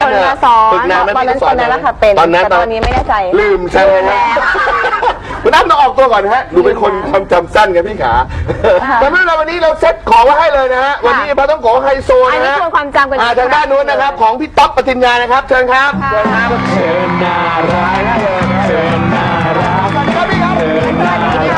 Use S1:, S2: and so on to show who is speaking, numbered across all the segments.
S1: คนมาสอน
S2: ฝึกนานไหม
S1: ตอนนั้น
S2: พี่ส
S1: ตอนนั้นแหละค่ะเป็น
S2: ตอนนั้น
S1: แต่ตอนนี้ไม่แน่ใจ
S2: ลืมใช่ไหมฮะคุณอ้ำต้องออกตัวก่อนนะฮะดูเป็นคนความจำสั้นกันพี่ขาแต่ไม่เป็นไรวันนี้เราเซ็ตของไว้ให้เลยนะฮะวันนี้ปลาต้องโกะไฮโซ
S1: อัน
S2: นะ
S1: นี้
S2: ฮะ
S1: ทวนความจำกัน
S2: ทางด้านนู้นนะครับของพี่ต๊อบปฏิญญานะครับเชิญครับเชิญครับเชิญน่ารักเชิญน่ารักสวัสดีครับพี่ครับพี่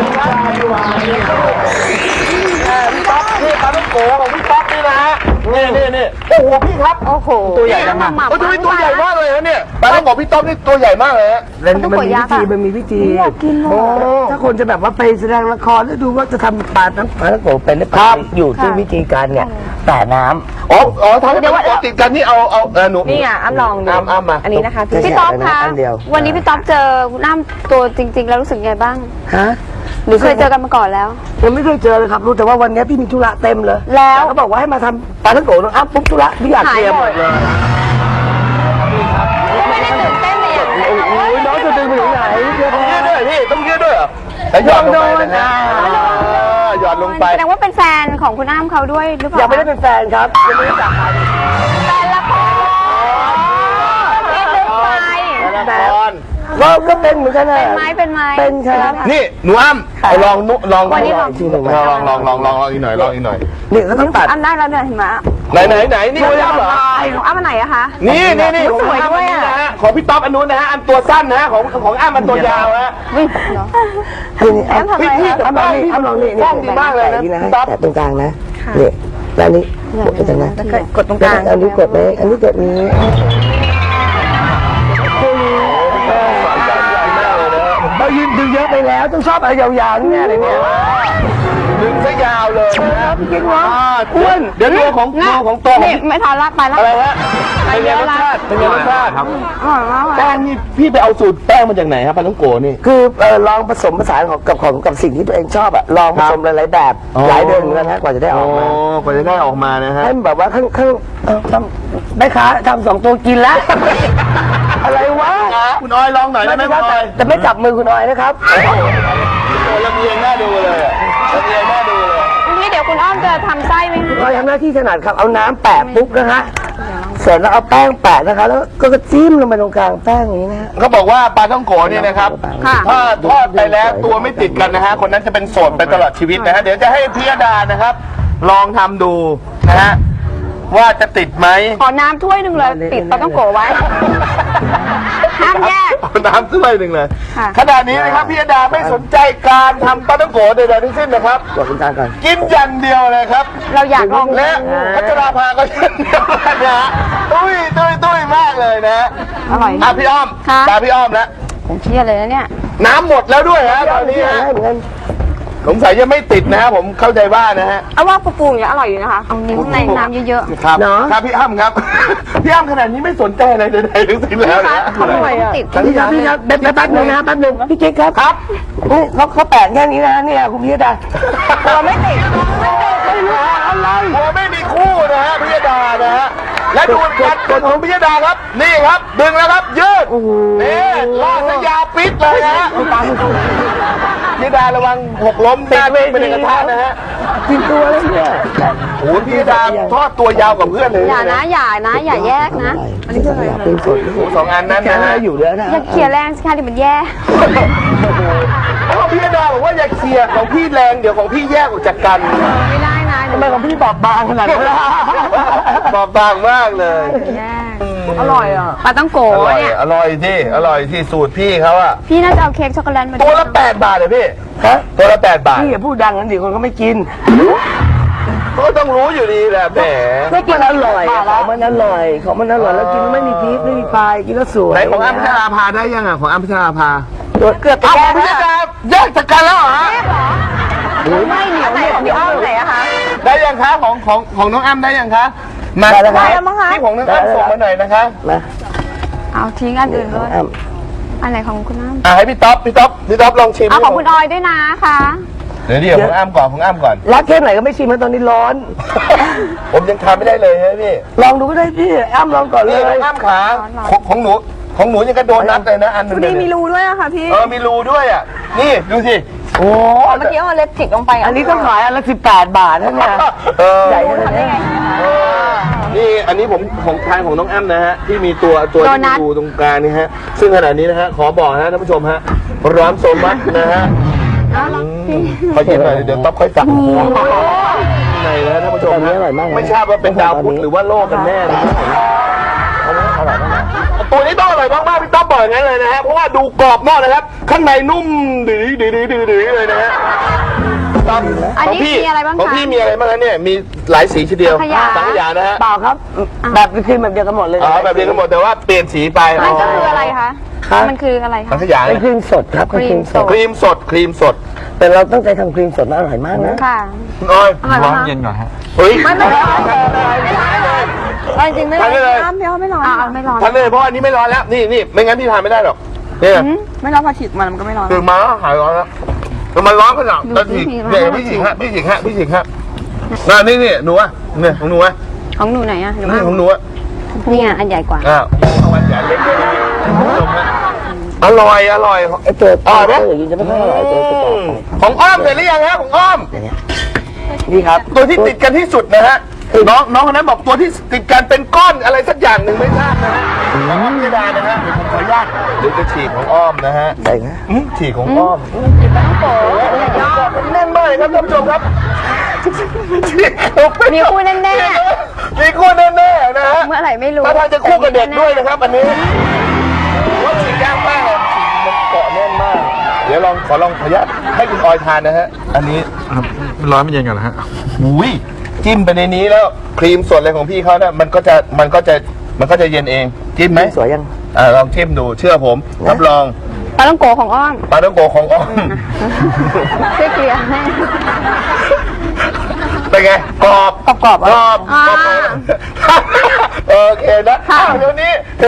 S2: ต๊อบนี่ปลาต้องโกะของพี่ต๊อบนี่นะฮะนี่โอ้โหพี่ครับ
S1: โอ้โห
S2: ตัวใหญ่จังอะโอ้ยทำไมตัวใหญ่มากเลยฮะเนี่ยปลาต้องโกะพี่ต๊อบนี่ตัวใหญ่มากเลยฮะ
S3: มันมีวิธีถ้าคนจะแบบว่าไปแสดงละครแล้วดูว่าจะทำปลาทั้งโกเป็นหรือเปล่าอยู่ที่วิธีการเนี่ยแต่น้ำ
S2: อ๋อทำให้ปลาต้องโกะติดกันนี่เอาหนู
S1: นี่ไงอ้ำลองดู
S2: อ้ำมา
S1: อันนี้นะคะพี่ต๊อบคะวันนี้พี่ต๊อบเจอคุณอ้ำตัวจริงๆแล้วรู้สึกไงบ้าง
S3: ฮะ
S1: หรือเคยเจอกันมาก่อนแล้ว
S3: ยังไม่เคยเจอเลยครับรู้แต่ว่าวันนี้พี่มีธุระเต็มเลย
S1: แล้ว
S3: เขาบอกว่าให้มาทำปลาทั้งโกน้องอ้ำปุ๊บธุระพี่อยากเคลียร์หมดเลย
S1: ไม่ได้ตื่นเต้นเลยอย่างนั้น
S3: โอ้ยน้องจะดึงไปถึงไหน
S2: ต้องยืดด้วยพี่ต้องยืดด้วยเหรอแล้วหย่อนลงไปนะหย่อนลงไป
S1: แสดงว่าเป็นแฟนของคุณอ้ำเขาด้วยหรือเปล่า
S3: ยังไม่ได้เป็นแฟนครับยังไม่ได้จับกัน
S1: แฟนละครไป
S3: เราก็เป็นเหมือนกันนะ
S1: เป็นไหม
S3: เป็นครับ
S2: นี่หนูอ้ำลอง
S1: วันนี้ลอง
S3: ทีหนึ่ง
S2: ลองอีกหน่อยลองอีกหน่อย
S3: นี่เขาต้องตัด
S1: อ้ำได้แล้วเนี่ยเห็นไหม
S2: ไหนนี่คุณอ้ำเหรอ
S1: ของอ้ำอันไหนอะคะ
S2: นี่
S1: สวยด้วยอะ
S2: นะฮะของพี่ต๊อบอันนู้นนะฮะอันตัวสั้นนะฮะของอ้ำอันตัวยาวฮะ
S3: นี่อ้ำ
S1: ทำไมคะ
S3: อ้ำลองนี่อ้ำลองนี่
S2: กล้องดีมากเลยนะ
S3: นี่นะ
S2: ต๊อบ
S3: แต่ตรงกลางนะนี่แล้วอันนี้กดไปตรงนั้น
S1: กดตรงกลาง
S3: อันนี้กดไหมอันนี้กดนี้ เรายืนดึงเยอะไปแล้วต้องชอบอะไรยาวๆนี่อะไรเนี่ย
S2: ดึงซะยาวเลยนะ
S3: จริงวะ
S2: อ้วนเดี๋ยวตัวของตัวของ
S1: นี่ไม่ทันละไปละ
S2: อะไรฮะเป็นไงรสชาติครับ
S1: อร่อยมากเลย
S2: แป้งนี่พี่ไปเอาสูตรแป้งมาจากไหนครับปลาต้องโกนี่
S3: คือลองผสมผสานกับสิ่งที่ตัวเองชอบอะลองผสมหลายๆแบบหลายเดือนเหมือนกันนะกว่าจะได้ออกมาก
S2: ว่าจะได้ออกมานะฮะ
S3: ให้แบบว่าข้างแม่ค้าทำ2 ตัวกินแล้ว อะไรวะ
S2: คุณออยลองหน่อยได้ไหมคุณออย
S3: แต่ไม่จับมือคุณออยนะครับ
S2: โอ้ลำเอียงหน้าดูเลยลำเอียงหน้าดูเลย
S1: นี่เดี๋ยวคุณอ้อมจะทำไส้ไหม
S3: ออยทำหน้าที่ถนัดครับเอาน้ำแปะปุ๊บนะฮะเสร็จแล้วเอาแป้งแปะนะคะแล้วก็จิ้มลงไปตรงกลางแป้งอย่างนี้นะฮะ
S2: เขาบอกว่าปลาท่องโกเนี่ยนะครับ
S1: ค่ะ
S2: ถ้าทอดไปแล้วตัวไม่ติดกันนะฮะคนนั้นจะเป็นโสดไปตลอดชีวิตนะฮะเดี๋ยวจะให้พิยดานะครับ ลองทำดูนะฮะว่าจะติดไหม
S1: ขอน้ำถ้วยหนึ่งเลยปิดปลาต้องโกะไว้ห้ามแยก
S2: เอาน้ำถ้วยหนึ่งเลย
S1: ค่ะ
S2: ขณะนี้นะครับพิยดาไม่สนใจการทำปลาท่องโกใดๆทั้งสิ้นนะครับ
S3: กดตรงกลางก่อน
S2: กินอย่างเดียวเลยครับ
S1: เราอยากลอง
S2: และพัชราภาก็เช่นเดียวกันนะฮะตุ้ยมากเลยนะ
S1: อร่อย
S2: อ่ะพี่อ้อม
S1: ค่ะ
S2: ตาพี่อ้อมแล้ว
S1: ผมเชื่อเลยนะเนี่ย
S2: น้ำหมดแล้วด้วยฮะตอนนี้ฮะ
S3: เหมือนกัน
S2: สงสัยยังไม่ติดนะฮะผมเข้าใจว่านะฮะ
S1: เอาว่าปูๆอย่างเงี้ยอร่อยอยู่นะคะเอานิ้วในน้ำเยอะ
S2: ครับครับพี่อ้ำครับ พี่อ้ำขนาดนี้ไม่สนใจอะไรใดๆทั้งสิ้นแล้วนะ
S1: ๆเขาอร่อยอะติด
S3: พี่ครับแป๊บนึงนะแป๊บนึงพี่กิ๊กครับ
S2: ครับ
S3: นี่เขาแปะแค่นี้นะเนี่ยคุณพิยดา
S1: เราไม่ติด
S2: ไม่รู้อะไรผมไม่มีคู่นะฮะพิยดานะฮะและดูการกดของพิยดาครับ นี่ครับดึงแล้วครับยืดนี่ลากซะยาวปิดเลยนะฮะพิยดาระวังหกล้มหน้าเวทีเป็นกระทะนะฮะ
S3: กินตัวแล้วเนี่ย
S2: โอ้โหพิยดาทอดตัวยาวกว่าเพื่อนเลย
S1: อย่านะอย่าแยกนะ
S3: อันนี้คืออะไรเป็นสด
S2: สองอันนั้น
S3: แค่
S2: นะ
S3: นั้
S2: ฮะ
S3: นอยู่แล้วนะ
S1: อย่าเขี่ยแรงสิคะเดี๋ยวมันแย่
S2: เพราะพิยดาบอกว่าอย่าเคลียร์ของพี่แรงเดี๋ยวของพี่แยกออกจากกัน
S1: ไม่ได้นะ
S3: ทำไมของพี่บอบบางขนาดนั้นล่ะ
S2: บอบบางมากเลย
S1: แย่อร่อยอ่ะปลาต้องโกะเนี่ย
S2: อร่อยที่สูตรพี่เขาอะ
S1: พี่น่าจะเอาเค้กช็อกโกแลตมา
S2: ตัวละ8 บาทเลยพี่
S3: ฮะ
S2: ตัวละ8 บาท
S3: พี่อย่าพูดดังนั้นดิคนเขาไม่กิน
S2: ก็ต้องรู้อยู่ดีแหละแหม
S3: ก็กินอร่อยของมันอร่อยของมันอร่อยแล้วกินไม่มีพริกไม่มีพายกินแล้วสวย
S2: ไหนของอ้ำพัชราภาได้ยังอ่ะของอ้ำพัชราภา
S1: เกือบไป
S2: เอา
S1: แย่
S2: ของพี่
S1: แล้ว
S2: ดาแยกจากกันแล้วเหรอฮะ
S1: ไม่เหนียวไหนของพี่อ้อมไหนอะคะ
S2: ได้ยังคะของน้องอ้ำได้ยังคะมา
S3: ได้แล้วครับ
S1: แล้วมั้งคะ
S2: ที่ของน้องอ้ำส่งมาหน่อยนะคะ
S3: นะ
S1: เอาทิ้งอันอื่นเลย
S3: อ้ำ
S1: อันไหนของคุณอ้ำ
S2: ให้พี่ต๊อบลองชิม
S1: เอาของคุณออยด้วยนะคะ
S2: เดี๋ยวของอ้ำก่อน
S3: รักแค่ไหนก็ไม่ชิมนะตอนนี้ร้อน
S2: ผมยังทานไม่ได้เลยฮะพี่
S3: ลองดูก็ได้พี่อ้ำลองก่อนเล
S2: นี่ข
S3: ย
S2: องอ้ำขาของหนูยังกระโดนนัดเลยนะอันนึง
S1: นี่มีรูด้วยอะค่ะพี่
S2: มีรูด้วยอ่ะนี่ดูสิ
S3: โอ้
S1: เมื่อกี้เอาเล็บจิกลงไป
S3: อันนี้ต้องขายอันละ18 บาทนะเนี่ย
S2: เออ
S3: ใหญ่
S1: ทำได้ไง
S2: นี่อันนี้ผมของทางของน้องแอมนะฮะที่มีตัวที่มีดูตรงกลางนี่ฮะซึ่งขณะนี้นะฮะขอบอกนะท่านผู้ชมฮะร้อนโซมัสนะฮะขอเย็นหน่อยเดี๋ยวต๊อบค่อยสั่งในนะท่านผู้ชมฮะไม่ทราบว่าเป็นดาวพุธหรือว่าโลกกันแน่นะตัวนี้ต้องอร่อยมากๆพี่ต๊อบบอกอย่างนั้นเลยนะฮะเพราะว่าดูกรอบนอกนะครับข้างในนุ่มดื้อเลยนะฮะ
S1: อันนี้มีอะไรบ้างคะ
S2: ของพี่มีอะไรบ้างคะเนี่ยมีหลายสีทีเดียวสังขยานะฮะ
S3: เปล่าครับแบบคือแบบเดียวกันหมดเลย
S2: อ๋อแบบเดียวกันหมดแต่ว่าเปลี่ยนสีไป
S1: มันก็คืออะไรคะมันคืออะไร
S2: สั
S1: คะ
S2: งขยา
S3: เป็นครีมสดครับ
S1: ครีมสด
S2: ครีมสด
S3: แต่เราตั้งใจทำครีมสดมาอร่อยมากนะ
S1: ค่ะ
S2: น้อย
S1: ร้อนเย็น
S2: เฮ้ย
S1: ไม่ร้อนจริงไม่ร้อน
S2: ทานได้เลย
S1: น้ำเพียวไม่ร้อนไม่ร้อน
S2: ทานเลยเพราะอันนี้ไม่ร้อนแล้วนี่ไม่งั้นพี่ทานไม่ได้หรอกเนี่ย
S1: ไม่ร้อนพอฉีดมันก็ไม่ร้อน
S2: ตื่นมาหายร้อนแล้วแต่มันร้อนขนาดตอนฉีกเนี่ยพี่ฉีกฮะนี่หนูอ่ะเนี่ยของหนูอ่ะ
S1: ของหนูไหนอ่ะหนู
S2: นี่ของหนูอ่ะ
S1: นี่อันใหญ่กว่า
S2: อ้าวเอาวันใหญ่เล็กอร่อย
S3: ไอ้ตัว
S2: อร่อยไหม
S3: อย่างนี้จะไม่ค่อยอร่อยตัวต่อ
S2: ของอ้อมเสร็จหรือยังฮะของอ้อม
S3: นี่ครับ
S2: ตัวที่ติดกันที่สุดนะฮะน้องคนนั้นบอกตัวที่ติดกันเป็นก้อนอะไรสักอย่างหนึ่งไม่ทราบนะฮะของอ้อมพิยดานะฮะเดี๋ยวผมขออนุญาตเดี๋ยวจะฉีกของอ้อมนะฮะ
S3: ใส่นะ
S2: ฉีกของอ้อมแน่นมากเลยครับท่านผู้ชมครับ
S1: มีคู่แน่
S2: มีคู่แน่ๆนะฮะ
S1: ๆเมื่อไหร่ไม่รู้
S2: ถ้าทางจะคู่กับเด็กด้วยนะครับอันนี้ว่าฉีกยากมากเลยฉีกมันเกาะแน่นมาก เดี๋ยวขอลองขออนุญาตให้คุณออยทานนะฮะอันนี้
S4: ร้อนไม่เย็นก่อนนะฮะ
S2: อุ้ยจิ้มไปในนี้แล้วครีมสดอะไรของพี่เขาเนี่ยมันก็จะเย็นเองจิ้มไหม
S3: สวยยัง
S2: ลองชิมดูเชื่อผมรับรอง
S1: ปลาต้องโกของอ้อม
S2: ปลาท่องโกของอ้อม
S1: ช่วยเกลี่ยให้
S2: เป็นไงกรอบ
S1: กรอบ
S2: โอเคนะเดี๋ยวนี้